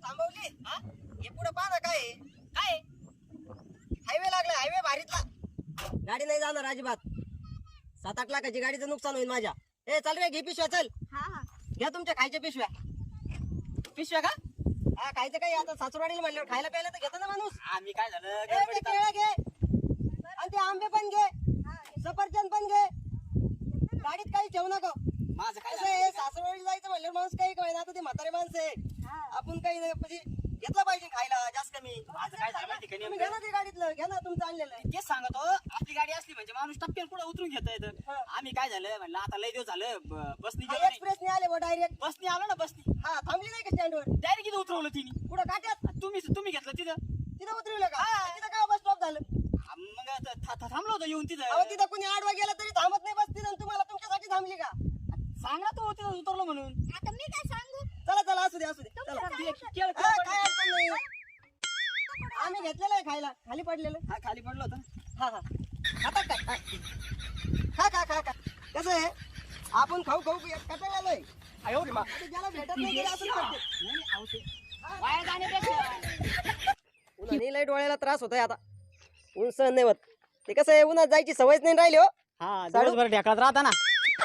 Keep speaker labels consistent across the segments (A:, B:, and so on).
A: थांबवली हे पुढे पाहा ना काय काय हायवे लागला हायवे भारीतला गाडी नाही जाणार अजिबात 7-8 लाखाची गाडीचं नुकसान होईल माझ्या ए चल रे घे पिशव्या चल घ्या तुमच्या खायच्या पिशव्या का हा खायचं काही आता सासूरवाडीला म्हणल्यावर खायला प्यायला तर घेतो ना माणूस आम्ही काय झालं केळं घे आणि ते आंबे पण घे सफरचंद पण घे गाडीत काही ठेवू नको माझं काय सासूरवाडी जायचं म्हणल्यावर माणूस काही काय ना आता ते म्हातारे माणसं आहे आपण काही म्हणजे घेतलं पाहिजे खायला जास्त कमी माझं काय झालं घ्या ना ते गाडीतलं घ्या ना तुमचं आणलेलं तेच सांगतो आपली गाडी असली म्हणजे माणूस टप्प्यान पुढे उतरून घेता येतं आम्ही काय झालं म्हणलं आता लय दिवस झालं बसनी एक्सप्रेसने आले डायरेक्ट बसनी आलो ना बसनी हा थांबली नाही का स्टँडवर डायरेक्ट इथं उतरवलं तिने पुढे काट्यात तुम्ही घेतलं तिथं उतरवलं का तिथं काय बस स्टॉप झालं मग थांबलो होतो येऊन तिथं कोणी आडवा गेला तरी थांबत नाही बस तिथं तुम्हाला तुमच्यासाठी थांबली का सांग ना तो तिथं उतरलो म्हणून
B: आता मी काय सांगू
A: चला असू दे चला काय अडचण नाही आम्ही घेतलेलं आहे खायला खाली पडलेलं हा खाली पडलो होतं हा खाता काय खा कसं आहे आपण खाऊ कटाळलोय ज्याला भेटत नाही उन्हाने लय डोळ्याला त्रास होतोय आता ऊन सहन नाही होत ते कसं आहे उन्हात जायची सवयच नाही राहिली हो
C: हा दिवसभर ढेकळात राहता ना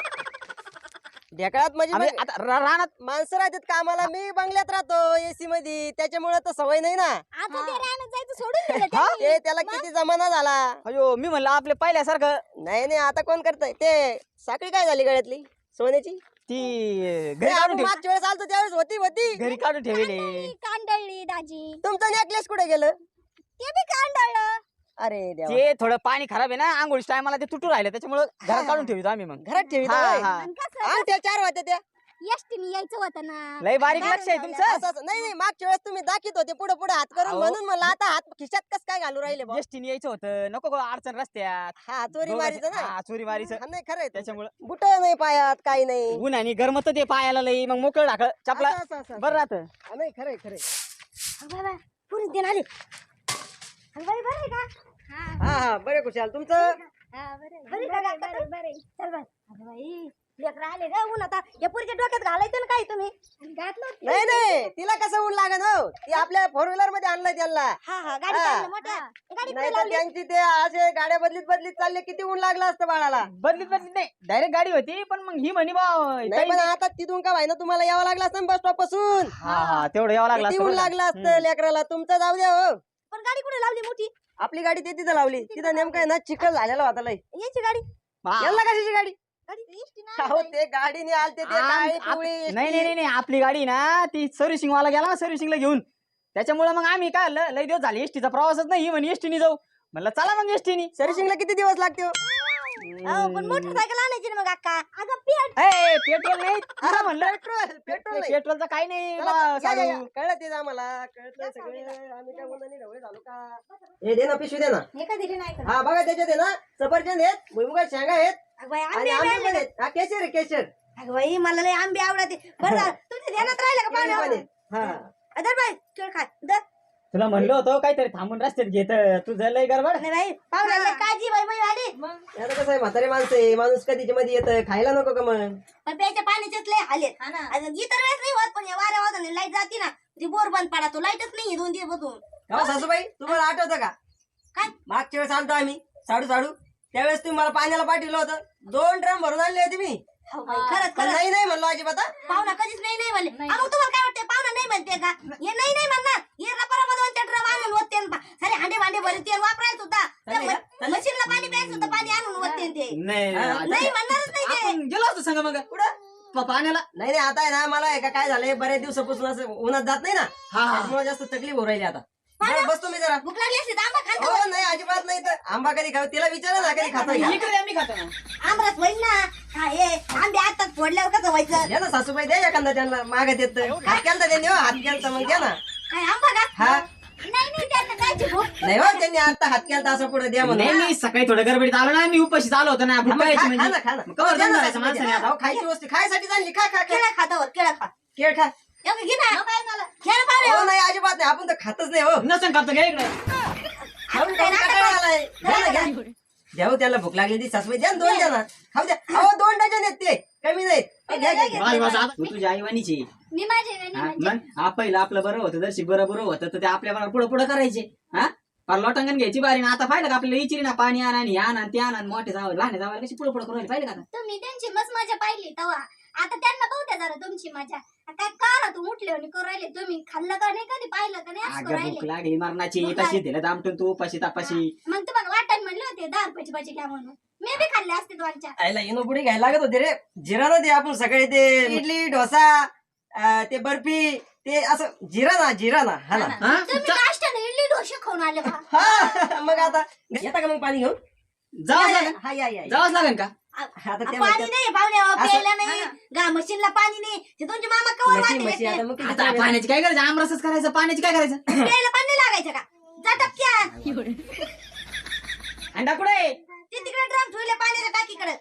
A: ढेकळात म्हणजे आता रानात माणसं राहतात कामाला मी बंगल्यात राहतो एसी मध्ये त्याच्यामुळे तर सवय नाही ना
B: आता ते रानात जायचं सोडून दिलं त्यांनी.
A: ते त्याला किती जमाना झाला
C: अयो मी म्हणलं आपले पहिल्यासारखं
A: नाही आता कोण करताय ते साखळी काय झाली गळ्यातली सोन्याची
C: ती
A: घरी आपण मागच्या वेळेस आलतो त्यावेळेस होती
C: घरी काढून ठेवले
B: कांदळली दाजी
A: तुमचं नेकलेस कुठे गेलं
B: ते बी कांदळलं
A: अरे देवा
C: ते थोडं पाणी खराब आहे ना आंघोळी टायमाला ते तुटू राहिलं त्याच्यामुळे घरात काढून ठेवतो आम्ही मग
A: घरात ठेवी
B: आणि कसं
A: त्या 4 होत्या त्या
B: एसटीने यायचं होतं ना
C: लय बारीक लक्ष आहे तुमचं
A: असं नाही मागच्या वेळेस तुम्ही दाखवत होते पुढे हात करून म्हणून मला आता हात खिशात कस काय घालू राहिले बुवा?
C: एसटीने यायचं होतं नको गो अडचण रस्त्यात
A: हा चोरी मारीचं ना
C: हा, चोरी मारीचं
A: हा, नाही खरंय
C: त्याच्यामुळे
A: बुट नाही पायात काही नाही
C: ऊन आणि गरमत ते पायाला लई मग मोकळ टाक चपला
A: असं.
C: बरं राहत
A: हा, नाही खरंय
B: बाबा पुरी देणार आले बरे का
A: हा बरे खुशाल तुमचं
B: बरे चल बाई लेकर आले ग ऊन आता या पुरीच्या डोक्यात घालायचं ना काही तुम्ही घातलं
A: नाही तिला कसं ऊन लागन हो ती आपल्या 4 व्हीलर मध्ये आणलंय त्यांना
B: हा गाडी चालली मोठ्या गाडी
A: नाही तर त्यांची ते असे गाड्या बदलीत चालले किती ऊन लागलं असतं बाळाला
C: बदलीत नाही डायरेक्ट गाडी होती पण मग ही म्हणी
A: नाही पण आता तिथून का व्हायना तुम्हाला यावं लागलं असतं बस स्टॉप पासून
C: हा तेवढं यावं लागलं
A: किती ऊन लागलं असतं लेकराला तुमचं जाऊ द्या हो
B: पण गाडी कुठे लावली मोठी
A: आपली गाडी ते तिथं लावली तिथं नेमकं आहे ना चिखल झालेला होता लय
B: याची गाडी
A: याला कशाची गाडी
B: गाडी एसटी
A: अहो ते गाडीने आलते ते काळी पिवळी
C: नाही आपली गाडी ना ती सर्व्हिसिंग वाला गेला ना सर्व्हिसिंगला घेऊन त्याच्यामुळे मग आम्ही काय लय दिवस झाले एसटीचा प्रवासच नाही म्हणे एसटीने जाऊ म्हणलं चला मग एसटीने
A: सर्व्हिसिंगला किती दिवस लागते हो?
B: पण मोटरसायकल आणायची ना मग अक्का अगं
C: पेट्रोल नाही तुला म्हणलं
A: पेट्रोल नाही.
C: पेट्रोलचं काही नाही
A: कळलं ते आम्हाला कळत सगळे आम्ही काय बोलणार ढवळे झालो का हे दे ना पिशवी दे ना
B: हे का दिली नाही
A: हा बघा त्याच्यात आहे ना सफरचंद आहेत भुईमुगा शेंगा आहेत
B: अगं बाई
A: आणि
B: आंबे
A: आंबे पण आहेत हा केशर आहे केशर
B: अगं बाई मला लय आंबे आवडते बरं झालं तुमच्या ध्यानात राहिलं का
A: केळी पण
B: पाणी
A: आहेत. हा
B: अदर बाई केळ खाय दर
C: तुला म्हणलं होतं काहीतरी थांबून रस्त्यात घेत तुझं लय गडबड
B: नाही बाई पाहुण्याला काळजी बाई बाई आली
A: आता कसं आहे म्हातारे माणसं आहे माणूस कधीच्या मध्ये येतं खायला नको का मग
B: पण प्यायच्या पाण्याचेच लय हालेत इतर वेळेस नाही होत पण या वाऱ्या वाजून लाईट जाते ना ती बोर बंद पडा तो लाईटच नाही 2 दिवस बसून
A: हो सासूबाई तुम्हाला आठवतं का
B: काय
A: मागच्या वेळेस आलतो आम्ही साडू त्यावेळेस तुम्ही मला पाण्याला पाठवलं होतं 2 ड्रम भरून आणले होते मी
B: हो बाई, खरंच
A: पण
B: खरंच
A: नाही म्हणलो अजिबात हा.
B: पाहुणा कधीच नाही म्हणले मग तुम्हाला काय वाटतंय पाहुणा नाही म्हणते का हे नाही म्हणणार हे रबा 2 ड्रम आणून होते सारे हांडे भांडे भरते वापरायला सुद्धा मशीनला पाणी प्यायला सुद्धा पाणी आणून होते ते नाही म्हणणारच नाही ते
C: आपण गेलो असतो सांगा मग
A: कुठं
C: पाण्याला
A: नाही आता आहे ना मला आहे का काय झालंय बऱ्याच दिवसापासून असं उन्हात जात नाही ना त्यामुळे जास्त तकलीफ होऊ राहिली आता बसतो मी जरा
B: भूक लागली असते तर आंबा खातो
A: हो नाही अजिबात नाही तर आंबा कधी खाऊ तिला विचारा ना कधी खातो
C: इकडे आम्ही खातो ना
B: आमरस होईल ना हा हे आंबे आता फोडल्यावर कसं व्हायचं
A: द्या ना सासूबाई द्या एखादा त्यांना मागत येत हात केलता त्यांनी हो हात केलता मग द्या ना
B: काय आंबा का
A: हा
B: नाही त्यांना कायची भूक
A: नाही हो त्यांनी आता हात केलता असं पुढे द्या म्हणून
C: नाही मी सकाळी थोडं गडबडीत आलो ना मी उपाशी आलो होतो ना भूक पाहायची
A: खा
C: म्हणजे
A: ना खा ना
C: मग कवर
A: द्या ना
C: जाऊन
A: सासूबाई,
C: माणसाने
A: द्या.
C: आता
A: अहो, खायची वस्तू खायसाठी आणली खा खा खा
B: केळा खातावर केळा खा
A: केळ खा
B: घे ना खेळ पाहुणे
A: हो नाही अजिबात नाही आपण तर खातच नाही हो
C: नसन करतो घ्या इकडे
A: खाऊन खाऊन कंटाळा आलाय. द्या ना, घ्या. द्या हो त्याला भूक लागली ती सासूबाई द्या ना 2 द्या ना खाऊ द्या अहो 2 डझन आहेत ते कमी नाहीत
C: तू तुझ्या आईवानीची
D: मी माझे
C: मग पहिलं आपलं बरं होतं जर बरं होतं तर ते आपल्या पुढे पुढे करायचे हा पर लोटांगण घ्यायची बारी ना आता पाहिलं का आपल्याला इचिरी ना पाणी आणा आणि आणा ते आणा मोठे जावं लहान जावं कशी पुढे पुढे करून पाहिलं का
D: तुम्ही त्यांची मस्त मजा पाहिली तेव्हा आता त्यांना बघते जरा तुमची मजा काय करा तू उठले आणि करू राहिले तुम्ही खाल्लं का नाही कधी पाहिलं का नाही असं करू
C: अगं भूक
D: राहिले
C: लागली मरणाची तशी दिलं दामटून तू उपाशी तापाशी
D: मग तुम्हाला वाटायला म्हणले होते 10 रुपयाची भाजी घ्या म्हणून मी बी खाल्ले असते दोनच्या
A: आईला इनो पुढे घ्यायला लागत होते रे जिरा ना ते आपण सगळे ते इडली डोसा ते बर्फी ते असं जिरा ना हा ना
D: तुम्ही नाश्त्याने इडली डोसे खाऊन आले का
A: हा मग आता येता का मग पाणी घेऊन
C: जावंच लागेल
A: हा या
C: जावंच लागेल का
A: आता ते
B: पाणी नाही पाहुणे प्यायला नाही गा मशीनला पाणी नाही ते तुमचे मामा कवर
A: म्हशी
B: वाटते
A: म्हशी आता मग किती
C: आता
A: चालेल?
C: पाण्याची काय करायचं आमरसच करायचं पाण्याची काय करायचं
B: प्यायला पाणी नाही लागायचं का जा टपक्या
C: अंडा कुठे
B: ते तिकडे ड्रम ठेवले पाण्याच्या टाकीकडे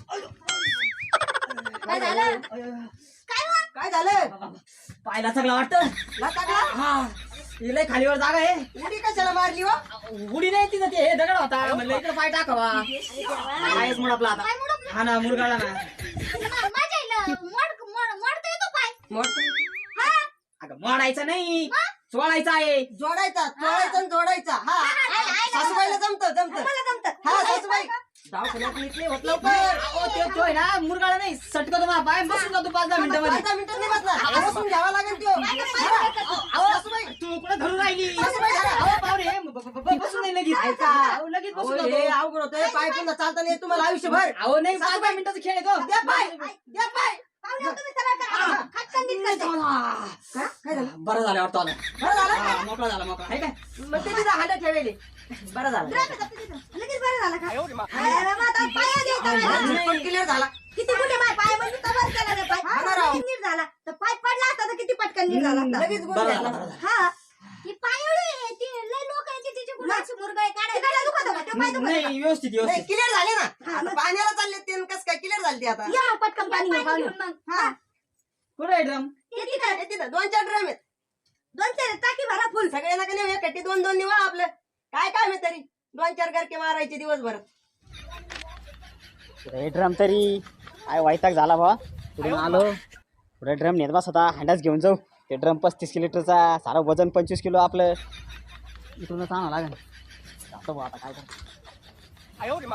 B: काय झालं
A: काय झालं
C: पायला सगळं वाटतं
A: लागला
C: हा लय खालीवर जागा आहे
A: उडी कशाला मारली वा
C: उडी नाही तिथं ते हे दगड होता म्हणलं इकडे पाय टाकावा पायच मुडपला आता हा ना मुरगाळा ना
D: माझ्या आईला मोडता येतो पाय
A: मोड
C: अगं मोडायचं नाही सोडायचं आहे
A: जोडायचा आणि जोडायचा हा सासूबाईला जमत
B: मला जमत
A: हा सासूबाई दवाखान्यात निघले होत लवकर
C: तो आहे ना मुरगाळा नाही सटका तुम्हाला पाय बसून जातो 5-10 मिनिटांमध्ये
A: 5 मिनिटं नाही बसणार बसून घ्यावा लागेल तो सासूबाई
C: तू कुठे धरून राहिली
A: सासूबाई
C: अहो, पाहुणे बसून नाही लगेच
A: ऐका.
C: अहो, लगेच बसून
A: अहो,
C: जातो.
A: हे अवघड होतंय पाय पुन्हा चालता नाही तुम्हाला आयुष्यभर
C: अहो नाही 5-10 मिनिटाचा खेळ आहे तो
A: द्या पाय द्या पाय
B: पाहुणे तुम्ही सरळ करा खटकन नीट करते.
A: काय झालं
C: बरं झालं वाटतं आला
A: बरं झालं
C: हा, मोकळा झाला मोकळा आहे काय
A: मग ते तिथं हाडं ठेवले बरं झालं
B: लगेच बरं झालं का अरे मग आता पाया द्यायचा
A: पण क्लिअर झाला
B: किती कुठे पाय म्हणजे कवर केला रे पाय
A: हा ना राव.
B: किती नीट झाला तर पाय पडला असता तर किती पटकन नीट झाला असता.
A: लगेच गुण
C: बरं
A: घ्यायला.
C: झालं, बरं झालं.
B: हा
D: ती पायोळी ती लय लोक आहे तिचे गुलाची मुरगाळे
B: ते काय दुखत होतं? ते पाय दुखत होतं.
C: नाही व्यवस्थित
A: नाही
C: व्यवस्थित
A: क्लिअर झाले ना आता पाण्याला चालले ते कस काय क्लिअर झाले ते आता
B: या मग पटकन पाणी घेऊन पाहुणे.
D: मग
B: हा
C: कुठे आहे ड्रम
A: हे तिथं 2-4 ड्रम आहेत
B: 2-4 टाकी भरा फुल
A: सगळे नका नेऊ एकटी 2-2 निवा आपलं काय काम आहे तरी 2-4 गरके मारायचे दिवसभर
C: ड्रम तरी काय वैताग झाला बा पुढे आलो पुढे ड्रम नेत बस होता हंडाच घेऊन जाऊ ते ड्रम 35 लिटरचा सारा वजन 25 किलो आपलं इथूनच आणावं लागेल जातो बा आता काय करतो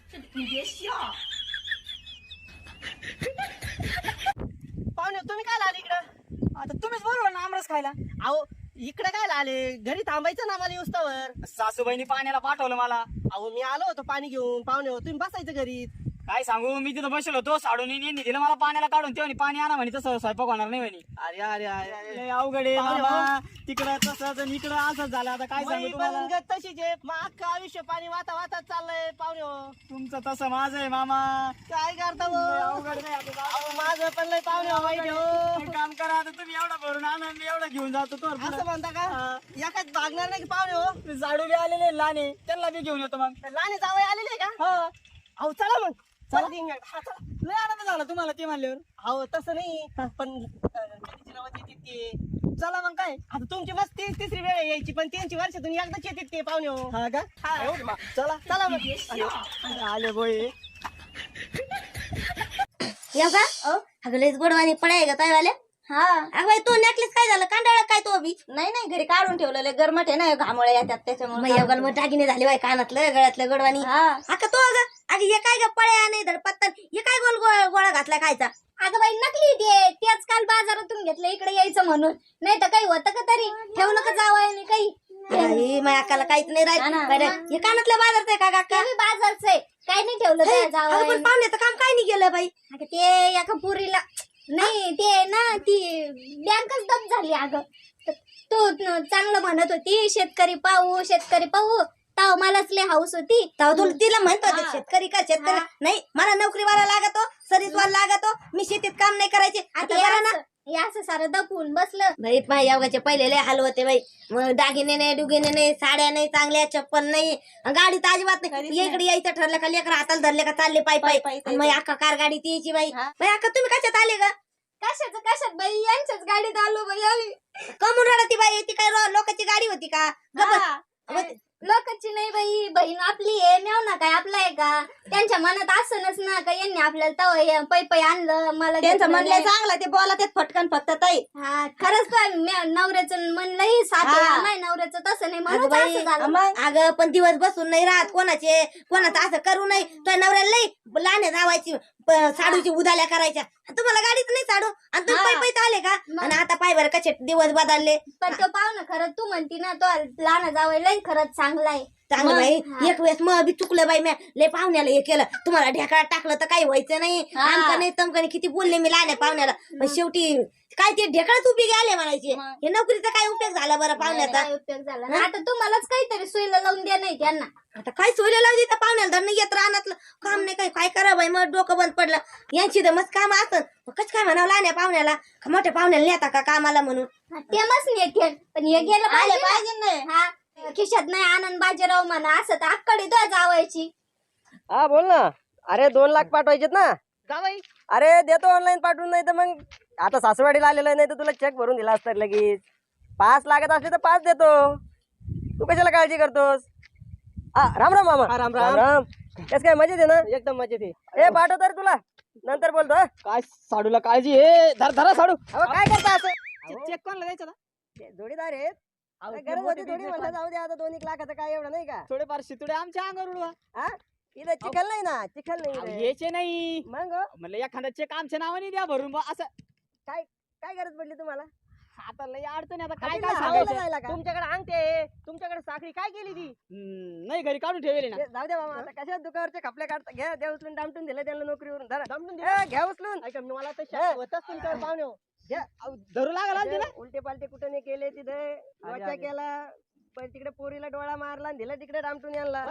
A: पाहुणे तुम्ही काय आले इकडं
C: आता तुम्हीच बरोबर ना आमरस खायला
A: अहो इकडे काय आले घरी थांबायचं ना मला युस्तावर
C: सासूबाईनी पाण्याला पाठवलं मला
A: अहो मी आलो होतो पाणी घेऊन पाहुणे हो तुम्ही बसायचं घरी
C: काय सांगू मी तिथं बसलो होतो साडून यांनी दिलं मला पाण्याला काढून तेव्हा पाणी आणा म्हणे तसं स्वयंपाक होणार नाही म्हणे
A: अरे अरे अरे
C: लय अवघड आहे
A: पाहुणे
C: बाबा तिकडं तसंच आणि इकडं असंच झालं आता काय सांगू तुम्हाला
A: तशीच आहे मग अख्खं आयुष्य पाणी वाहता चाललंय पाहुणे हो
C: तुमचं तसं माझं आहे मामा
A: काय करता
C: लय
A: हो?
C: अवघड नाही आता
A: अहो, माझं पण लय पाहुणे हो, वाईट हो.
C: एक काम करा आता तुम्ही एवढा भरून आणा मी एवढा घेऊन जातो तो
A: असं म्हणता का एकाच भागणार नाही की पाहुणे हो
C: झाडू बी आलेले लहाने त्यांना बी घेऊन येतो मग
A: लहान जावई आलेले का
C: हा
A: अहो चला मग चला दिन हा चला
C: लय आनंद झाला तुम्हाला ते म्हणल्यावर
A: अहो तसं नाही पण कधीची नावाची येतात ते
C: चला मग काय
A: आता तुमची मस्त तिसरी वेळ आहे यायची पण त्यांची वर्षातून एकदाच येतात ते पाहुणे हो
C: हा का
A: हा. चला चला मग
C: आले बोय
B: येऊ का अगं लयच गोडवानी पडाय का काय वाले हा अगं बाई तो नेकलेस काय झालं कांडाळा काय तो बी
D: नाही घरी काढून ठेवलेलं गरमट आहे ना घामोळे येतात त्याच्यामुळे
B: मग येऊ मग टाकीने झाली बाई कानातलं गळ्यातलं गोडवानी
D: हा
B: अगं तो अगं हे काय ग पळ्या नाही धड पत्तन हे काय गोल गोळा घातला खायचा
D: अगं बाई नकली ते तेच काल बाजारातून घेतलं इकडे यायचं म्हणून नाही तर काही होतं का तरी ठेवलं का जावं काही
B: बाई माझ्या अक्काला काहीच नाही
D: हा ना.
B: राहिलं हे कानातल्या बाजारचं आहे का काका
D: ते बी बाजारचं आहे काही नाही ठेवलं
B: हे,
D: त्या
B: अगं पण
D: जावं
B: पाहुण्याचं काम काय नाही गेलं बाई
D: अगं ते एका पुरीला नाही ते ना ती बँकच दब झाली अगं तो चांगलं म्हणत होती शेतकरी पाहू ताव मलाच लय हाऊस होती
B: तेव्हा तुला तिला म्हणतो ते
D: हा.
B: शेतकरी का शेतकरी
D: हा.
B: नाही मला नोकरीवाला लागतो सरीजवाला लागतो मी शेतीत काम नाही करायचे आता बरं ना
D: हे असं सारं दपून बसलं
B: बाई माझ्या योगाचे पहिले लय हाल होते बाई मग दागिने नाही डुगिने नाही साड्या नाही चांगल्या चप्पल नाही गाडी तर अजिबात नाही इकडे यायचं ठरलं का लेकर हाताला धरले का चालले पायी
D: पायी,
B: पायी
D: पायी,
B: आणि मग अख्खा कार गाडी ती यायची बाई
D: हा.
B: बाई अक्का तुम्ही कशात आले का
D: कशात बाई यांच्याच गाडीत आलो बाई आम्ही
B: कमून रडती बाई ती काय लोकांची गाडी होती का गप्प.
D: हा.
B: मग
D: लोकांची नाही बाई, बहीण आपली आहे, मेव ना काय आपला आहे का? त्यांच्या मनात असनच ना का यांनी आपल्याला तव पै पै आणलं मला
B: त्यांचं
D: घेतलं
B: म्हणलं
D: नाही.
B: चांगलं ते बोला ते फटकन फक्त ताई.
D: हा खरंच तो नवऱ्याचं म्हणलंही साथ आहे.
B: हा.
D: माझ्या नवऱ्याचं तसं नाही
B: अगं
D: म्हणून
B: बाई,
D: असं झालं.
B: मग अगं पण दिवस बसून नाही राहत कोणाचं असं करू नये. तुझ्या नवऱ्याला लई लहान जावायची साडूची उदाल्या करायच्या. तुम्हाला गाडीत नाही साडू आणि तुम्ही
D: हा.
B: पै पै आले का?
D: मग.
B: आणि आता पाय बरं कसे दिवस बदलले.
D: पण तो पाहू ना खरं तू म्हणती ना तो लहान जावं खरंच चांगला आहे.
B: चांगलं बाई
D: हा.
B: एक वेळेस मग बी चुकलं बाई मी लय पाहुण्याला हे केलं. तुम्हाला ढेकळात टाकलं तर काही व्हायचं नाही.
D: हा.
B: आमचं नाही तमकं किती बोलले मी लहान पाहुण्याला. पण शेवटी काय ते ढेकळाच उपयोगी आले म्हणायचे.
D: मग.
B: हे नोकरीचा काय उपयोग झाला बरं पाहुण्याचा?
D: काय उपयोग झाला ना? आता तुम्हालाच काहीतरी सोयीला लावून द्या नाही त्यांना.
B: आता काय सोयला लावली तर पाहुण्याला धरणं येत राहणार काम नाही काय करा बाई. मग डोकं बंद पडलं. यांची तर मस्त काम असत. कच काय म्हणावं लहान पाहुण्याला का मोठ्या पाहुण्याला नेता का कामाला म्हणून?
D: ते मस्त नेते पण हे गेलं
B: आले
D: पाहिजे
B: पाहिजे नाही.
D: ना. हा खिशात नाही आनंद बाजीराव म्हणा असं तर अक्कडे तो जावायची.
A: हा बोल ना. अरे 2 लाख पाठवायचेत ना. अरे देतो ऑनलाईन पाठवून, नाही तर मग आता सासवाडीला आलेलं आहे, नाही तर तुला चेक भरून दिला असता लगेच. 5 लागत असले तर 5 देतो. तू कशाला काळजी करतोस? राम राम मामा. राम राम. कस काय मजेत आहे ना? एकदम मजेत आहे. पाठवतो रे तुला, नंतर बोलतो.
C: काय साडूला काळजी आहे. धरा साडू.
A: अहो काय करता असं?
C: चेक कोणाला द्यायचा ना?
A: ते जोडीदार आहेत. काय गरज होती थोडी म्हणलं जाऊ दे आता 2-1 लाखाचं काय एवढं नाही का?
C: थोडेफार शितुडे आमच्या अंगावर उडवा.
A: हा इथं चिखल नाही ना, चिखल नाही इथं.
C: यायचे नाही
A: मग
C: म्हणलं एखादा चेक आमच्या नावाने द्या भरून बुवा असं.
A: काय गरज पडली तुम्हाला?
C: आता लय अडचण आहे, आता काय
A: काय
C: काय सांगायचं.
A: जायला का? तुमच्याकडे अंगठी आहे, तुमच्याकडे साखरी काय केली ती?
C: नाही घरी काढून ठेवले ना.
A: ते जाऊ दे मामा, आता कशा दुकावरचे खपले काढता. घ्या द्या उचलून, दामटून दिलं त्यांना नोकरीवरून. घ्या उचलून. ऐका मला तर होतच तुमच्यावर पाहुणे हो. घ्या.
C: धरू लागला
A: उलटे पालटे कुठे नाही केले तिथे. केला पण तिकडे पोरीला डोळा मारला आणि दिला तिकडे दामटून यांना.